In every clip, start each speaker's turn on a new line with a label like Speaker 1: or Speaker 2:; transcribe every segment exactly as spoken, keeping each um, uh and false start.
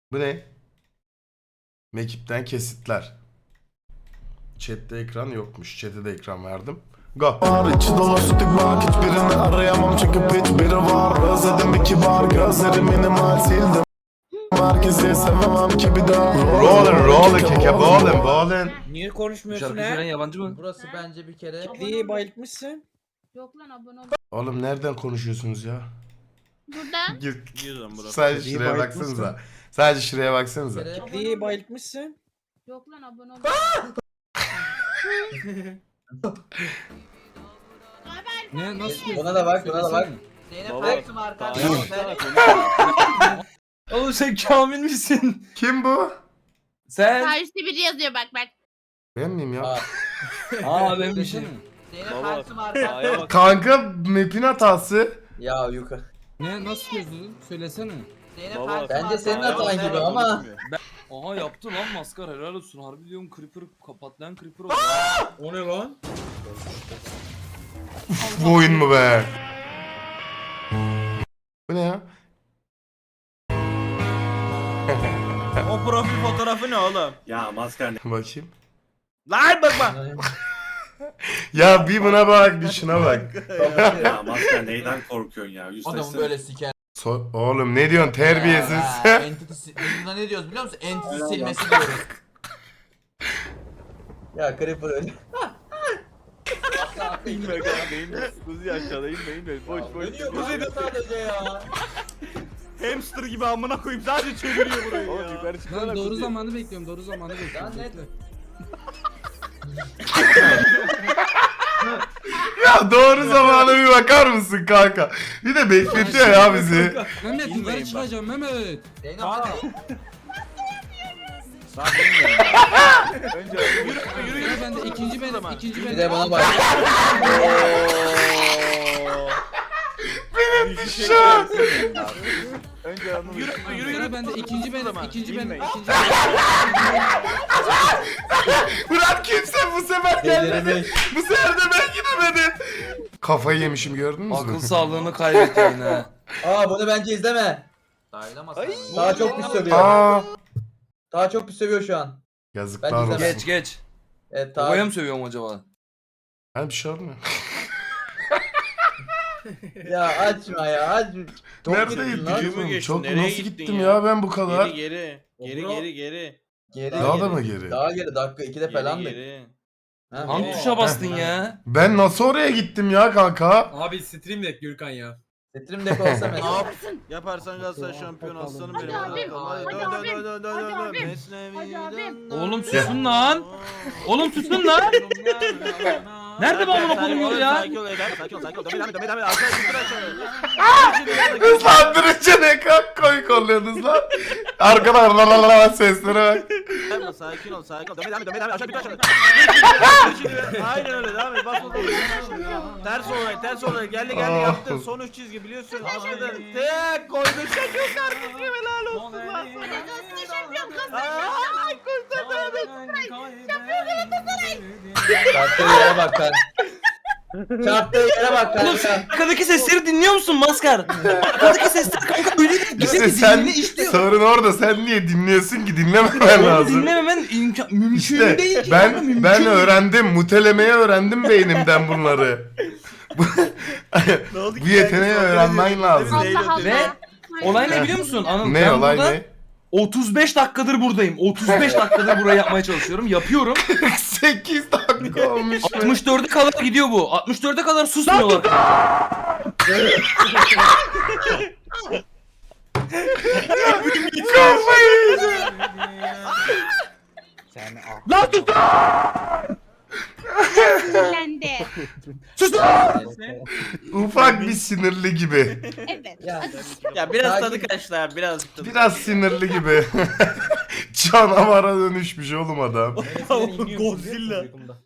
Speaker 1: Bu ne? Mekipten kesitler. Chat'te ekran yokmuş. Chat'e de ekran verdim. Go.
Speaker 2: Var içi dolu sütük bak hiçbirini arayamam çünkü piç biri var. Özledim bir kibar gözleri minimal sildim. Herkesi sevemem ki bir daha.
Speaker 1: Rollin rollin keke ballin ballin.
Speaker 3: Niye konuşmuyorsun
Speaker 4: Şarkı söyleyen
Speaker 3: he?
Speaker 4: yabancı mı?
Speaker 3: Burası bence bir kere. Kitleyi bayıltmışsın.
Speaker 5: Yok lan abone ol.
Speaker 1: Oğlum nereden konuşuyorsunuz ya?
Speaker 5: Buradan.
Speaker 1: Gir.
Speaker 6: Yiyorum burası.
Speaker 1: Sadece
Speaker 3: Kitleyi
Speaker 1: şuraya
Speaker 3: bayıltmışsın.
Speaker 1: baksanıza. Sadece şuraya baksanıza.
Speaker 3: Kitleyi bayıltmışsın.
Speaker 5: Yok lan abone ol.
Speaker 4: Ne nasıl?
Speaker 7: Buna da bak, buna da bak.
Speaker 6: Zeynep
Speaker 7: Baba,
Speaker 6: Erksim arkadaşlar.
Speaker 4: Oğlum sen Kamil misin?
Speaker 1: Kim bu?
Speaker 4: Sen?
Speaker 5: Karşıda biri yazıyor bak bak.
Speaker 1: Ben miyim ya?
Speaker 7: Aa.
Speaker 4: Aa ben bir şey.
Speaker 6: Zeynep Baba, Erksim arkadaşlar.
Speaker 1: Kanka map'in hatası.
Speaker 7: Ya yukarı.
Speaker 4: Ne nasıl yazıyorsun? Söylesene.
Speaker 6: Zeynep Baba, Erksim
Speaker 7: Bence senin
Speaker 6: arkadaşlar.
Speaker 7: hatan gibi ama.
Speaker 4: Aha yaptı lan maskar helal olsun. Harbi diyorum Creeper patlayan Creeper oldu.
Speaker 3: O ne lan?
Speaker 1: Bu oyun mu be? Bu ne ya?
Speaker 6: O profil fotoğrafı ne oğlum?
Speaker 8: Ya maskar ne?
Speaker 1: Bakayım.
Speaker 6: Lan bakma.
Speaker 1: Ya bir buna bak, bir şuna bak.
Speaker 8: Ya maskar neyden korkuyorsun ya? Yüzleşsene.
Speaker 7: Adamı böyle siker.
Speaker 1: So- Oğlum ne diyorsun terbiyesiz?
Speaker 7: Ha, entity si- biz buna ne diyoruz biliyor musun? Entity silmesi diyoruz. Ya Creeper öyle.
Speaker 6: İnme kanka inme. Kuzi aşağıda inme inme. Boş boş.
Speaker 7: Dönüyor kanka sadece ya.
Speaker 6: Hamster gibi amına koyayım sadece çeviriyor burayı ya. Oğlum yukarı çıksana
Speaker 4: Ben doğru
Speaker 6: Kuzi.
Speaker 4: zamanı bekliyorum. Doğru zamanı bekliyorum.
Speaker 7: Lan ne-
Speaker 4: Bekle.
Speaker 1: Ya doğru zamana bir bakar mısın kanka? Bir de bekletiyor ya bizi.
Speaker 4: Mehmet
Speaker 6: İnmeyin
Speaker 4: yukarı
Speaker 6: bak.
Speaker 4: çıkacağım Mehmet.
Speaker 7: Zeynep
Speaker 6: Aa.
Speaker 7: sen-
Speaker 6: Lan bilmiyorum. Önce yürü yürü
Speaker 4: Yürü
Speaker 6: yürü.
Speaker 4: ben de ikinci benim. ikinci
Speaker 7: Bir
Speaker 4: benim.
Speaker 7: de bana bak.
Speaker 6: Benim bir şey görsün. Önce onu yürü yürü
Speaker 4: Yürü
Speaker 6: yürü.
Speaker 4: ben de ikinci benim. ikinci benim.
Speaker 6: İnmeyin.
Speaker 4: ikinci benim.
Speaker 1: Bırak kimse bu sefer gelmedi.
Speaker 7: Delirmiş.
Speaker 1: Bu sefer de ben gidemedim. Kafayı yemişim gördünüz mü?
Speaker 4: Akıl sağlığını kaybediyor yine.
Speaker 7: Aa bunu bence izleme. Daha çok pis sövüyor.
Speaker 1: Aa,
Speaker 7: Daha çok pis sövüyor şu an.
Speaker 1: yazıklar
Speaker 7: Ben
Speaker 1: olsun.
Speaker 7: izlemem.
Speaker 4: Geç geç.
Speaker 7: Evet
Speaker 4: Babaya
Speaker 7: daha.
Speaker 4: mı sövüyorum acaba?
Speaker 1: Ha bir şey olmuyor.
Speaker 7: Ya açma ya açma. Çok
Speaker 1: Nerede
Speaker 7: gittin lan.
Speaker 1: gittim?
Speaker 6: Yürü mü geçtin?
Speaker 1: Çok
Speaker 6: Nereye
Speaker 1: nasıl
Speaker 6: gittin
Speaker 1: gittim
Speaker 6: ya?
Speaker 1: ya? ben bu kadar?
Speaker 6: Geri geri. Geri
Speaker 7: Bro.
Speaker 6: geri geri.
Speaker 7: Geri
Speaker 1: Daha
Speaker 7: geri.
Speaker 1: da mı geri?
Speaker 7: Daha geri dakika ikide
Speaker 6: Geri
Speaker 7: falan da.
Speaker 6: geri.
Speaker 7: Ha,
Speaker 4: Hangi
Speaker 7: geri.
Speaker 4: tuşa bastın ya?
Speaker 1: Ben nasıl oraya gittim ya kanka?
Speaker 9: Abi stream deck Gürkan ya.
Speaker 7: Stream deck olsa mesela.
Speaker 6: Yaparsan Galatasaray şampiyon aslanım
Speaker 5: Hadi
Speaker 6: benim.
Speaker 5: abim,
Speaker 6: Hadi
Speaker 5: hadi
Speaker 6: dön
Speaker 5: abim,
Speaker 6: dön dön dön
Speaker 5: hadi
Speaker 6: dön dön.
Speaker 5: abim,
Speaker 6: Mesnevi
Speaker 5: hadi abim.
Speaker 6: dön.
Speaker 4: Oğlum susun lan. Oğlum susun lan. Nerede bu amına koyayım yolu ya?
Speaker 6: Sakin ol Eder, sakin ol, sakin ol. Devam et, devam et, devam et. Aşağı yukarı aşağı.
Speaker 1: Hızlandırınca ne kadar komik oluyorsunuz lan. Arkadan la la la seslere bak.
Speaker 6: Yapma, sakin ol, sakin ol. Devam et, devam et, devam et. Aşağı yukarı aşağı. Şimdi, aynen öyle, devam et. Bas bakalım. Ters olarak, ters olarak. Geldi geldi
Speaker 1: Ah.
Speaker 6: yaptın. Son üç çizgi biliyorsun. Aşağıdan tek koydun. Şaka kardeşim helal olsun lan sana.
Speaker 5: Şampiyon kazan.
Speaker 6: Ay kurtardın.
Speaker 7: Çarptığı yere bak kan. Çarptığı yere bak
Speaker 4: Oğlum
Speaker 7: kanka.
Speaker 4: sen arkadaki sesleri dinliyor musun maskar? Arkadaki sesler kanka öyle değil.
Speaker 1: İşte
Speaker 4: Güzel
Speaker 1: sen
Speaker 4: dinle işliyor.
Speaker 1: sorun orada. Sen niye dinliyorsun ki? Dinlememen
Speaker 4: Onu
Speaker 1: lazım.
Speaker 4: dinlememen imkan mümkün
Speaker 1: İşte
Speaker 4: değil ki. kanka,
Speaker 1: ben
Speaker 4: mümkün
Speaker 1: ben
Speaker 4: değil.
Speaker 1: öğrendim. Mutelemeyi öğrendim beynimden bunları. Bu, bu yeteneği öğrenmen lazım.
Speaker 5: Allah Allah.
Speaker 4: Ve olay ne biliyor musun? Anıl,
Speaker 1: Ne
Speaker 4: ben
Speaker 1: olay
Speaker 4: burada
Speaker 1: ne?
Speaker 4: otuz beş dakikadır buradayım. otuz beş dakikadır burayı yapmaya çalışıyorum. Yapıyorum.
Speaker 1: sekiz dakika olmuş. be.
Speaker 4: altmış dörde kadar gidiyor bu. altmış dörde kadar susmuyorlar.
Speaker 1: Kafayı yiyeceğim.
Speaker 4: Lan sus!
Speaker 5: Sinirlendi.
Speaker 4: Sus!
Speaker 1: Ufak bir sinirli gibi.
Speaker 5: Evet.
Speaker 7: Ya.
Speaker 6: Ya biraz
Speaker 7: Sakin.
Speaker 6: tadı kaçtı abi, biraz tadı.
Speaker 1: Biraz sinirli gibi. Canavara dönüşmüş oğlum adam.
Speaker 6: Godzilla.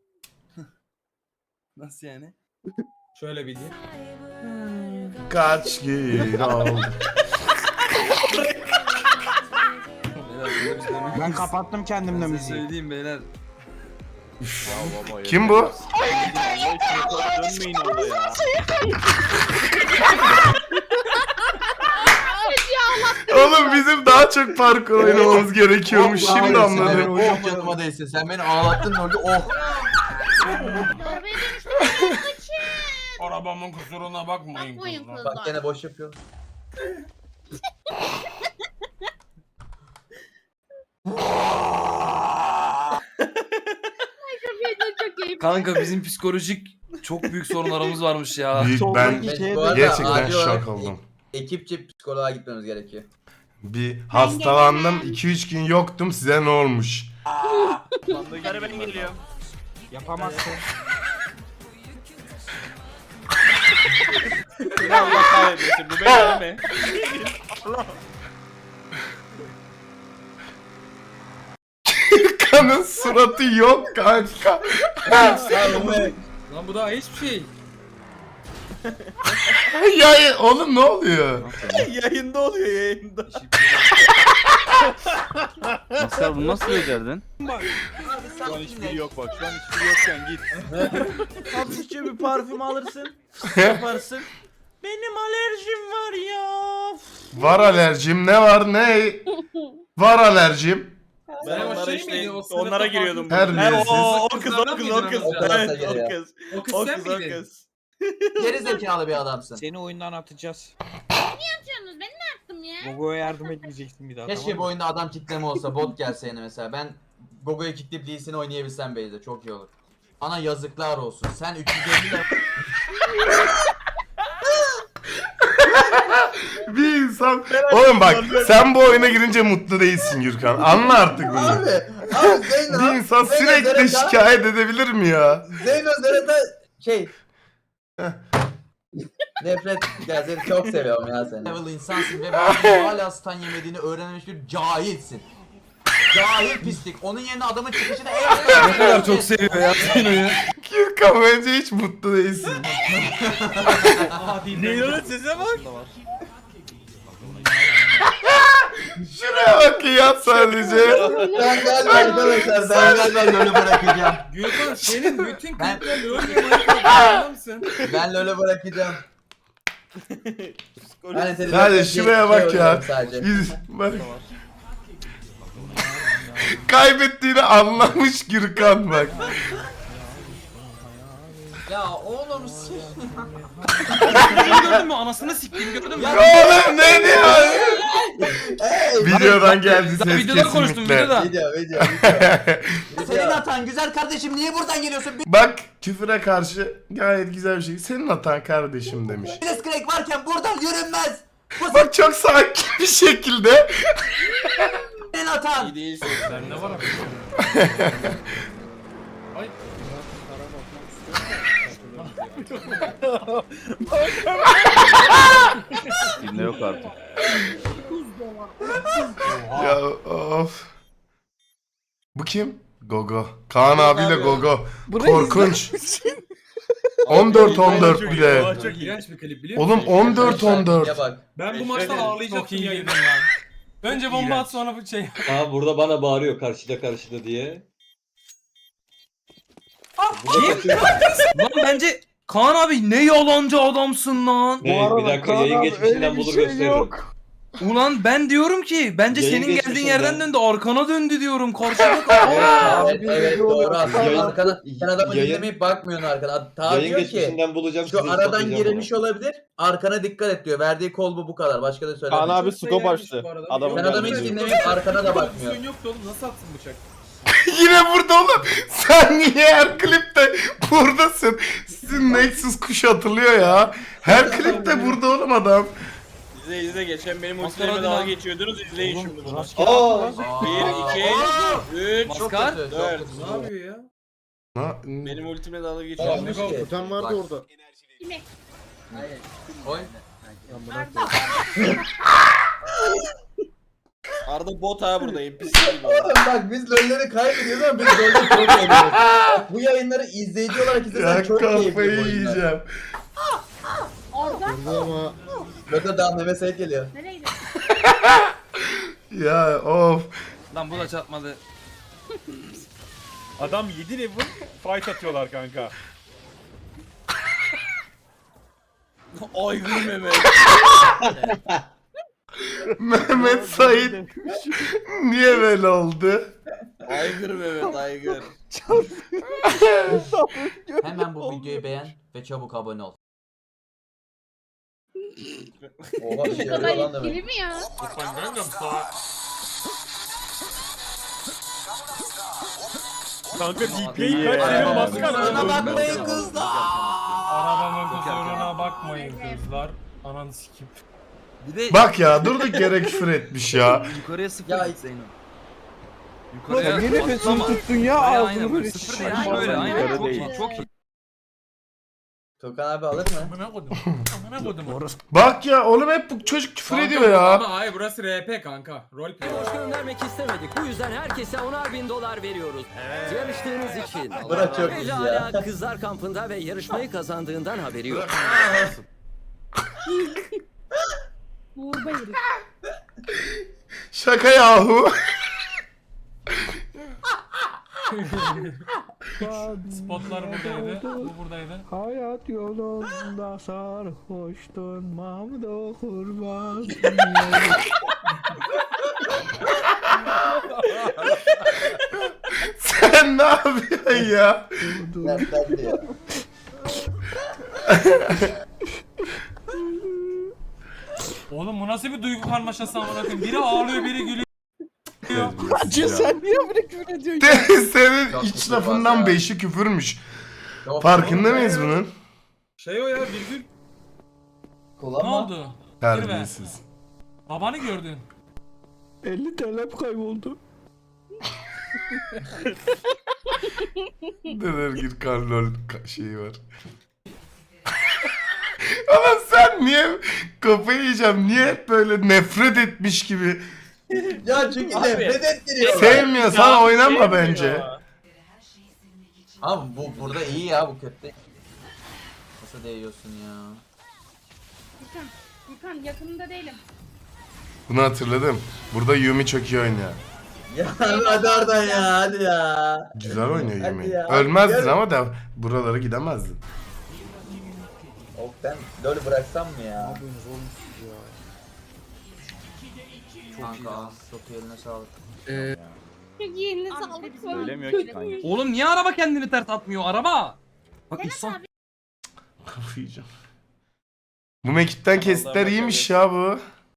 Speaker 4: Nasıl yani?
Speaker 9: Şöyle bir diye.
Speaker 1: Kaç gün oldu.
Speaker 3: Ben kapattım kendimle
Speaker 4: Size
Speaker 3: müziği.
Speaker 4: söyleyeyim beyler.
Speaker 1: Kim bu?
Speaker 6: Dönmeyin orada ya.
Speaker 1: Oğlum bizim daha çok parkur oynamamız gerekiyormuş. Şimdi anladım.
Speaker 7: Oh canıma değsin. Sen beni ağlattın orada. Oh.
Speaker 5: Arabaya dönüştüm.
Speaker 9: Arabamın kusuruna bakmayın
Speaker 5: Bakmayın
Speaker 9: kızlar.
Speaker 7: Bak
Speaker 5: kızlar.
Speaker 7: gene boş yapıyorsun.
Speaker 5: Çok keyifli.
Speaker 4: Kanka bizim psikolojik çok büyük sorunlarımız varmış ya.
Speaker 1: Büyük, ben
Speaker 7: Biz bu arada
Speaker 1: gerçekten
Speaker 7: acil olarak
Speaker 1: şok oldum.
Speaker 7: Ekipçe psikoloğa gitmemiz gerekiyor.
Speaker 1: Bir hastalandım. iki üç gün yoktum. Size ne olmuş?
Speaker 6: Yukarı ben geliyorum.
Speaker 3: Yapamazsın.
Speaker 6: Seni Allah kahretmesin. Bu benim değil mi?
Speaker 1: Kanın suratı yok kanka.
Speaker 9: Lan bu daha hiçbir şey.
Speaker 1: Ya oğlum ne oluyor?
Speaker 6: Yayında oluyor yayında.
Speaker 10: Maskar bunu nasıl becerdin?
Speaker 6: Şu an hiçbiri yok bak. Şu an hiçbiri yokken git. Hafifçe bir parfüm alırsın. Yaparsın. Benim alerjim var ya.
Speaker 1: Var alerjim. Ne var ne? Var alerjim.
Speaker 6: Ben
Speaker 9: Sen o
Speaker 6: onlara
Speaker 9: şey
Speaker 6: işte
Speaker 9: miydi? O sınıfta
Speaker 6: onlara giriyordum.
Speaker 1: farklı-
Speaker 6: Her
Speaker 1: Terbiyesiz.
Speaker 6: o, o kız o kız o kız.
Speaker 7: O kız
Speaker 6: Evet
Speaker 7: da
Speaker 6: o
Speaker 7: geliyor.
Speaker 6: kız.
Speaker 9: O kız
Speaker 6: O
Speaker 9: sen
Speaker 6: kız o
Speaker 9: miydin?
Speaker 6: kız.
Speaker 7: Geri zekalı bir adamsın.
Speaker 3: Seni oyundan atacağız.
Speaker 5: Yapıyorsunuz ben ne yaptım ya?
Speaker 3: Gogo'ya yardım etmeyeceksin bir daha.
Speaker 7: Keşke
Speaker 3: tamam
Speaker 7: bu
Speaker 3: mı?
Speaker 7: oyunda adam kitleme olsa, bot gelse yine mesela. Ben Gogo'yu kickleyip Lee Sin'i oynayabilsem Beyze çok iyi olur. Ana yazıklar olsun. Sen üç yüz elli lira...
Speaker 1: Bir insan... Oğlum bak sen bu oyuna girince mutlu değilsin Gürkan. Anla artık bunu.
Speaker 7: Abi, abi Zeyno...
Speaker 1: Bir insan
Speaker 7: Zeyno
Speaker 1: sürekli
Speaker 7: Zerata-
Speaker 1: şikayet edebilir mi ya?
Speaker 7: Zeyno Zerata şey... Nefret, ya seni çok seviyorum ya seni. Level insansın ve bazen hala stun yemediğini öğrenmiş bir cahilsin. Cahil pislik. Onun yerine adamın çıkışını eğer...
Speaker 4: Ne kadar çok seviyor ya Zeyno'yu.
Speaker 1: Gürkan bence hiç mutlu değilsin.
Speaker 6: Neylon'un sesine bak.
Speaker 1: Şuraya bak ya sadece.
Speaker 7: Ben galiba arkadaşlar, ben galiba LoL'ü bırakacağım.
Speaker 9: Gürkan senin bütün
Speaker 7: Ben-
Speaker 9: kliplerle oynamayı farkında mısın?
Speaker 7: Ben LoL'ü bırakacağım. Ben televizyon-
Speaker 1: Hadi şuraya bak
Speaker 7: şey
Speaker 1: ya.
Speaker 7: oynuyorum sadece.
Speaker 1: Biz, bak. Kaybettiğini anlamış Gürkan bak.
Speaker 7: Ya oğlum sen...
Speaker 4: Gördün mü? Anasını siktiğini gördün mü?
Speaker 1: Oğlum ne diyor?
Speaker 7: Hey!
Speaker 1: Videodan geldi
Speaker 4: Daha
Speaker 1: ses
Speaker 4: videoda konuştum
Speaker 1: kesinlikle.
Speaker 4: videoda.
Speaker 7: Video video video. Senin hatan güzel kardeşim niye buradan geliyorsun?
Speaker 1: Bak küfüre karşı gayet güzel bir şey. Senin hatan kardeşim demiş.
Speaker 7: Biles crack varken buradan yürünmez. Bu
Speaker 1: Bak çok sakin bir şekilde.
Speaker 7: senin hatan.
Speaker 6: İyi değilsin.
Speaker 9: Bende var abi. Ay.
Speaker 10: Kimde yok artık.
Speaker 1: Ya of. Bu kim? Gogo. Kaan abiyle Gogo. Korkunç. on dört on dört bir de.
Speaker 9: Çok iğrenç bir klip biliyor musun?
Speaker 1: Oğlum on dört on dört.
Speaker 7: Ya bak.
Speaker 9: Ben bu maçtan
Speaker 6: Çok
Speaker 9: ağlayacaktım
Speaker 3: iyi
Speaker 9: yayından lan. Önce bomba
Speaker 3: İğrenç.
Speaker 9: at sonra bu şey.
Speaker 10: Aa burada bana bağırıyor karşıda karşıda diye.
Speaker 4: Lan bence Kaan abi ne yalancı adamsın lan.
Speaker 10: Ne, bir dakika yayın geçmişinden bulur gösteririm.
Speaker 4: Ulan ben diyorum ki bence
Speaker 10: Yayın
Speaker 4: senin geldiğin
Speaker 10: geçmişinden.
Speaker 4: yerden döndü arkana döndü diyorum karşıda kal.
Speaker 7: Evet evet doğru aslında.
Speaker 10: Yayın-
Speaker 7: Arkana, sen adamı
Speaker 10: yayın-
Speaker 7: dinlemeyip bakmıyorsun arkana. Ta
Speaker 10: Yayın
Speaker 7: diyor ki
Speaker 10: geçmişinden bulacağım. sizi
Speaker 7: şu aradan
Speaker 10: ispatlayacağım
Speaker 7: girilmiş olabilir. Arkana dikkat et diyor. Verdiği kol bu bu kadar. Başka da söylemiyor.
Speaker 9: Kaan abi scope açtı. Adamın
Speaker 7: Sen adamı hiç dinlemeyip arkana da bakmıyor.
Speaker 9: Pozisyon yoktu oğlum nasıl atsın bıçak?
Speaker 1: Yine burada oğlum. Sen niye her klipte buradasın? Sizin Nexus kuş atılıyor ya. Her klipte burada oğlum adam.
Speaker 6: İzle izle geçen benim
Speaker 4: Maskara
Speaker 6: ultilerime
Speaker 4: hadi
Speaker 6: dalga
Speaker 4: lan.
Speaker 6: geçiyordunuz izleyin şimdi bunu.
Speaker 10: Aa!
Speaker 6: Bir, iki, üç.
Speaker 7: Çok
Speaker 4: Maskar.
Speaker 7: kötü, çok
Speaker 6: Dört.
Speaker 7: kötü.
Speaker 9: Ne yapıyor ya?
Speaker 1: Na-
Speaker 6: Benim ultimle dalga
Speaker 7: Olmuş
Speaker 6: geçiyorsunuz.
Speaker 7: ki.
Speaker 3: Kutan vardı orada.
Speaker 5: Kime?
Speaker 7: Oy.
Speaker 5: Arda.
Speaker 6: Arda bot ha burada N P C gibi.
Speaker 7: Oğlum bak biz LoL'leri kaybediyoruz ama biz LoL'de çok eğleniyoruz. Bak bu yayınları izleyici olarak izlesen
Speaker 1: Ya
Speaker 7: çok keyifli bu
Speaker 1: kafayı
Speaker 7: oyunlar.
Speaker 1: yiyeceğim.
Speaker 5: Orada.
Speaker 3: Ama
Speaker 7: Loto daha Mehmet Sait geliyor.
Speaker 5: Nereye gidiyorsun?
Speaker 1: Ya of.
Speaker 4: Lan bu da çatmadı.
Speaker 6: Adam yedi level fight atıyorlar kanka. Aygır Mehmet.
Speaker 1: Mehmet Said niye böyle oldu?
Speaker 6: Aygır Mehmet aygır.
Speaker 7: Hemen bu videoyu beğen ve çabuk abone ol. Oha
Speaker 5: Bu kadar etkili mi ya?
Speaker 6: Kanka D P'yi kaç seviyor baksana.
Speaker 7: Kusuruna bakmayın kızlar.
Speaker 9: Arabamın kusuruna bakmayın kızlar. Ananı sikip.
Speaker 6: Bir de
Speaker 1: Bak ya durduk yere küfür etmiş ya.
Speaker 6: yukarıya sıfır
Speaker 7: Ya-
Speaker 6: git Zeyno.
Speaker 3: Yukarıya niye nefesini tuttun ya ağzını böyle şişirme.
Speaker 6: Böyle aynen
Speaker 9: Yukarı
Speaker 6: çok
Speaker 9: değil.
Speaker 6: iyi çok iyi.
Speaker 7: Tukan abi alır mı?
Speaker 9: Amına kodum. Amına kodum.
Speaker 1: Bak ya oğlum hep bu çocuk küfür
Speaker 9: Kanka,
Speaker 1: ediyor ya.
Speaker 9: Ama hayır burası R P kanka. Roleplay.
Speaker 11: Boş göndermek istemedik. Bu yüzden herkese onar bin dolar veriyoruz. Yarıştığınız için.
Speaker 7: Bırak çok iyi
Speaker 11: Ece
Speaker 7: ya.
Speaker 11: hala kızlar kampında ve yarışmayı kazandığından haberi yok.
Speaker 5: Uğur Bayır.
Speaker 1: Şaka yahu.
Speaker 9: Spotlar buradaydı. Bu buradaydı.
Speaker 3: Hayat yolunda sarhoştun Mahmut'a kurban.
Speaker 1: Sen ne yapıyorsun ya?
Speaker 7: Dertlendi ya.
Speaker 9: Oğlum bu nasıl bir duygu karmaşası amına koyayım? Biri ağlıyor, biri gülüyor.
Speaker 3: Acı sen niye böyle küfür ediyorsun?
Speaker 1: Senin
Speaker 7: Çok
Speaker 1: iç
Speaker 7: küfür
Speaker 1: lafından
Speaker 7: var ya.
Speaker 1: beşi küfürmüş.
Speaker 7: Yok,
Speaker 1: Farkında mıyız bunun?
Speaker 9: Şey o ya virgül. Ne
Speaker 7: kullanma.
Speaker 9: oldu?
Speaker 1: Terbiyesiz.
Speaker 9: Babanı gördün.
Speaker 3: elli T L'm kayboldu.
Speaker 1: Neler gir karlol ka- şeyi var. Ama sen niye kafayı yiyeceğim? Niye hep böyle nefret etmiş gibi?
Speaker 7: Ya çünkü nefret ettiriyor.
Speaker 1: Sevmiyorsan oynama bence.
Speaker 7: Abi bu burada iyi ya bu kötü. Nasıl değiyorsun ya?
Speaker 5: Furkan, Furkan yakınında değilim.
Speaker 1: Bunu hatırladım. Burada Yumi çok iyi oynuyor.
Speaker 7: Ya hadi oradan ya hadi ya.
Speaker 1: Güzel oynuyor
Speaker 7: Hadi
Speaker 1: Yumi.
Speaker 7: ya.
Speaker 1: Ölmezdin
Speaker 7: Gel.
Speaker 1: ama da buralara gidemezdin.
Speaker 7: Of ben LoL'ü bıraksam mı ya? Kanka çok iyi eline sağlık.
Speaker 5: Çok iyi eline sağlık.
Speaker 6: Söylemiyor ki kanka.
Speaker 4: Oğlum niye araba kendini ters atmıyor? Araba. Bak İhsan.
Speaker 1: Kafayı yiyeceğim. Bu mekipten kesitler iyiymiş ya bu.